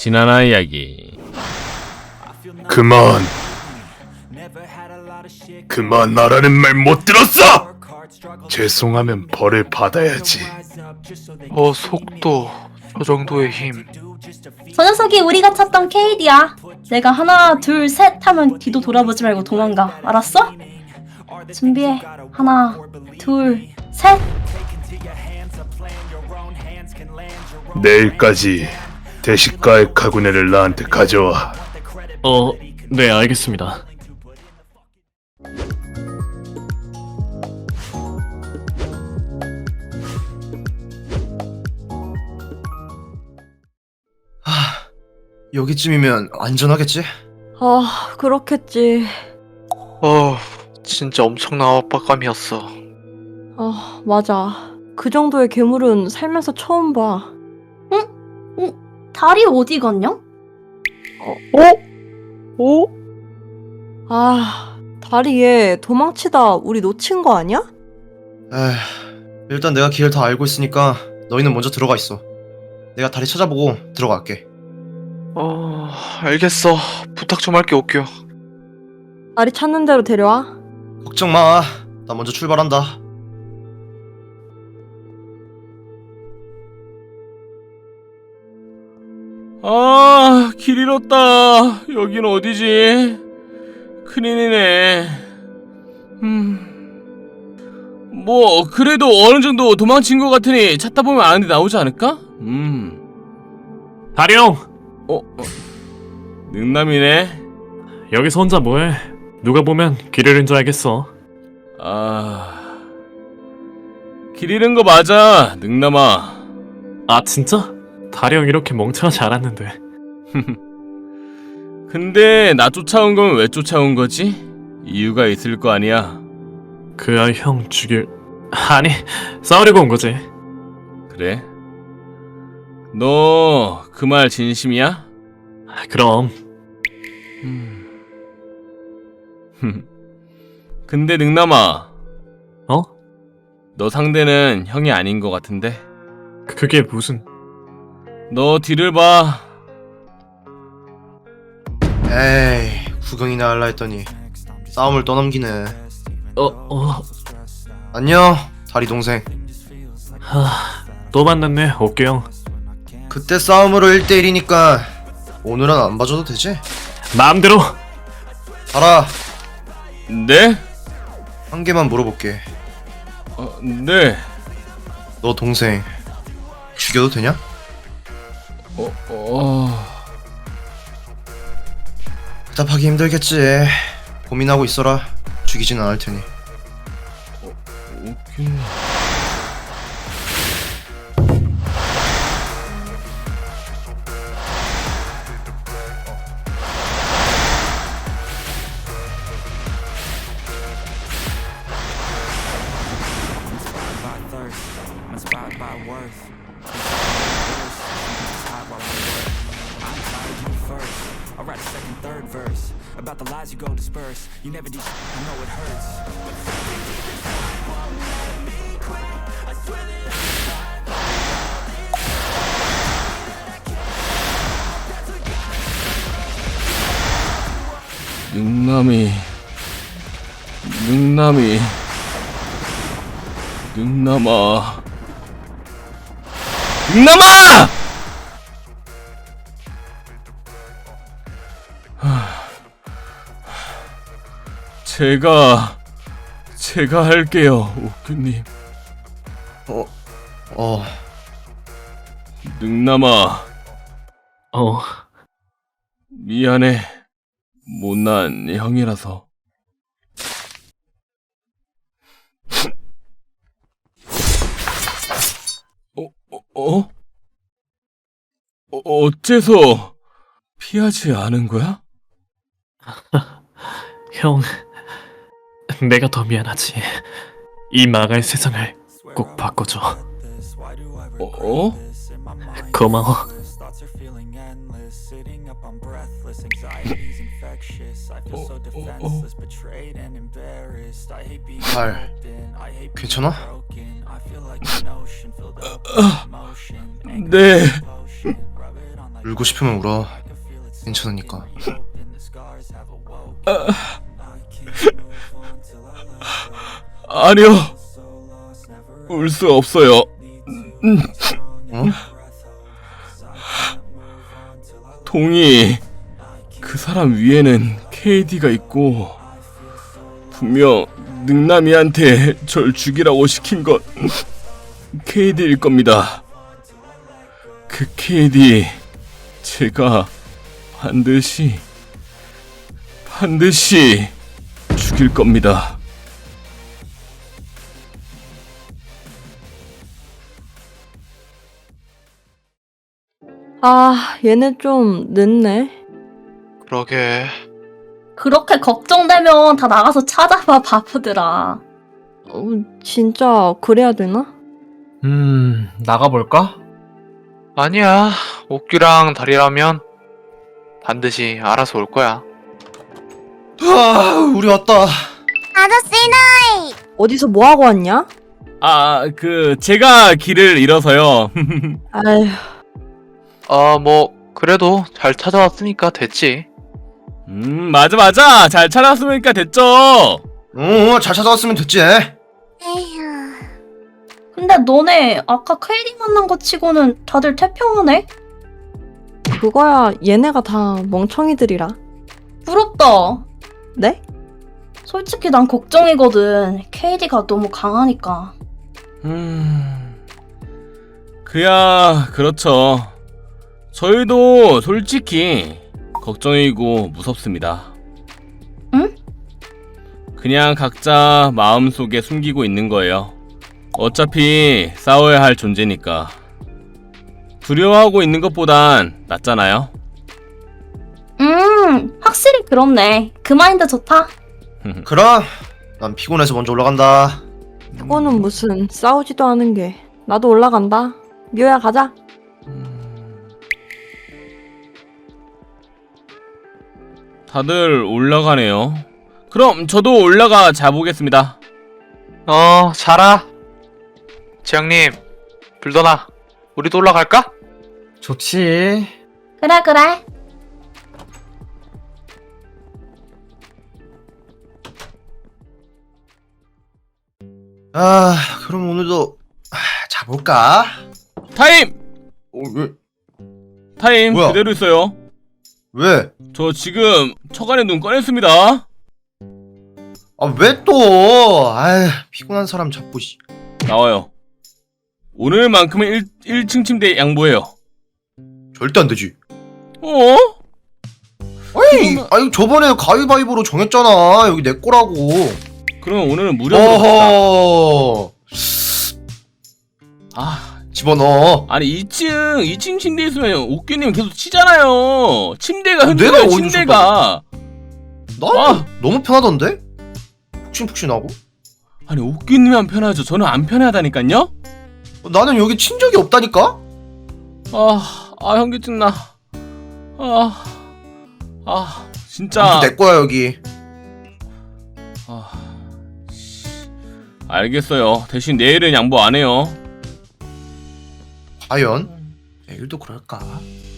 지나나 이야기. 그만 말하는 말 못 들었어! 죄송하면 벌을 받아야지. 속도 저 정도의 힘. 저 녀석이 우리가 찾던 케이디야. 내가 하나 둘 셋 하면 뒤도 돌아보지 말고 도망가. 알았어? 준비해. 하나 둘 셋. 내일까지 대식가의 가구네를 나한테 가져와. 네, 알겠습니다. 여기쯤이면 안전하겠지? 아, 그렇겠지. 진짜 엄청난 압박감이었어. 아, 맞아. 그 정도의 괴물은 살면서 처음 봐. 다리 어디 갔냐? 아, 다리에 도망치다 우리 놓친 거 아니야? 에휴, 일단 내가 길을 다 알고 있으니까 너희는 먼저 들어가 있어. 내가 다리 찾아보고 들어갈게. 알겠어. 부탁 좀 할게, 옥규. 다리 찾는 대로 데려와. 걱정 마. 나 먼저 출발한다. 아, 길 잃었다. 여긴 어디지? 큰일이네. 뭐 그래도 어느 정도 도망친 것 같으니 찾다 보면 아는 데 나오지 않을까? 다령! 능남이네. 여기서 혼자 뭐해? 누가 보면 길 잃은 줄 알겠어. 길 잃은 거 맞아, 능남아. 아, 진짜? 다령 이렇게 멍청하지 않았는데. 근데 나 쫓아온 건 왜 쫓아온 거지? 이유가 있을 거 아니야. 그 아이 형 죽일... 아니, 싸우려고 온 거지. 그래? 너 그 말 진심이야? 그럼. 근데 능남아, 어? 너 상대는 형이 아닌 것 같은데? 그게 무슨... 너 뒤를 봐. 에이, 구경이나 할라 했더니 싸움을 떠넘기네. 안녕, 다리 동생. 또 만났네, 옥규 형. 그때 싸움으로 1대1이니까 오늘은 안 봐줘도 되지? 마음대로! 알아. 네? 한 개만 물어볼게. 네. 너 동생 죽여도 되냐? 대답하기 힘들겠지. 고민하고 있어라. 죽이진 않을 테니. 오케이. About the lies you go disperse. You never did. I know it hurts. 능남이 능남아 제가 할게요, 옥규님. 능남아, 미안해. 못난 형이라서. 어째서 피하지 않은 거야? 형, 내가 더 미안하지. 이 망할 세상을 꼭 바꿔줘. 고마워. 발 괜찮아? 네. 울고 싶으면 울어. 괜찮으니까. 아니요. 울 수 없어요. 어? 동희, 그 사람 위에는 KD가 있고 분명 능남이한테 절 죽이라고 시킨 건 KD일 겁니다. 그 KD 제가 반드시 죽일 겁니다. 아, 얘네 좀 늦네. 그러게. 그렇게 걱정되면 다 나가서 찾아봐, 바보들아. 진짜 그래야 되나? 나가볼까? 아니야. 옥규랑 다리라면 반드시 알아서 올 거야. 우리 왔다. 어디서 뭐하고 왔냐? 제가 길을 잃어서요. 아휴, 뭐 그래도 잘 찾아왔으니까 됐지. 맞아. 잘 찾았으니까 됐죠. 잘 찾아왔으면 됐지. 근데 너네 아까 KD 만난 거 치고는 다들 태평하네? 그거야 얘네가 다 멍청이들이라. 부럽다. 네? 솔직히 난 걱정이거든. KD가 너무 강하니까. 그렇죠. 저희도 솔직히 걱정이고 무섭습니다. 응? 그냥 각자 마음속에 숨기고 있는 거예요. 어차피 싸워야 할 존재니까. 두려워하고 있는 것보단 낫잖아요. 확실히 그렇네. 그 마인드 좋다. 그럼 난 피곤해서 먼저 올라간다. 그거는 무슨 싸우지도 않은 게. 나도 올라간다. 묘야 가자. 다들 올라가네요. 그럼 저도 올라가 자보겠습니다. 자라. 지영님, 불더나, 우리도 올라갈까? 좋지. 그래. 그럼 오늘도 자볼까? 타임! 왜? 타임 뭐야? 그대로 있어요. 왜? 저 지금 처간에 눈 꺼냈습니다. 왜 또? 피곤한 사람 자꾸. 나와요. 오늘만큼은 1층 침대 양보해요. 절대 안 되지. 어? 아니 저번에 가위바위보로 정했잖아. 여기 내 거라고. 그럼 오늘은 무료로 갑시다. 어허. 집어넣어. 아니 2층 침대 있으면 옥규님 계속 치잖아요. 침대가 내가 흔들려요. 어디서 침대가. 나 너무 편하던데? 푹신푹신하고. 아니 옥규님만 편하죠. 저는 안 편하다니까요. 나는 여기 친 적이 없다니까? 현기증 나. 진짜. 내 거야 여기. 알겠어요. 대신 내일은 양보 안 해요. 과연 내일도 그럴까?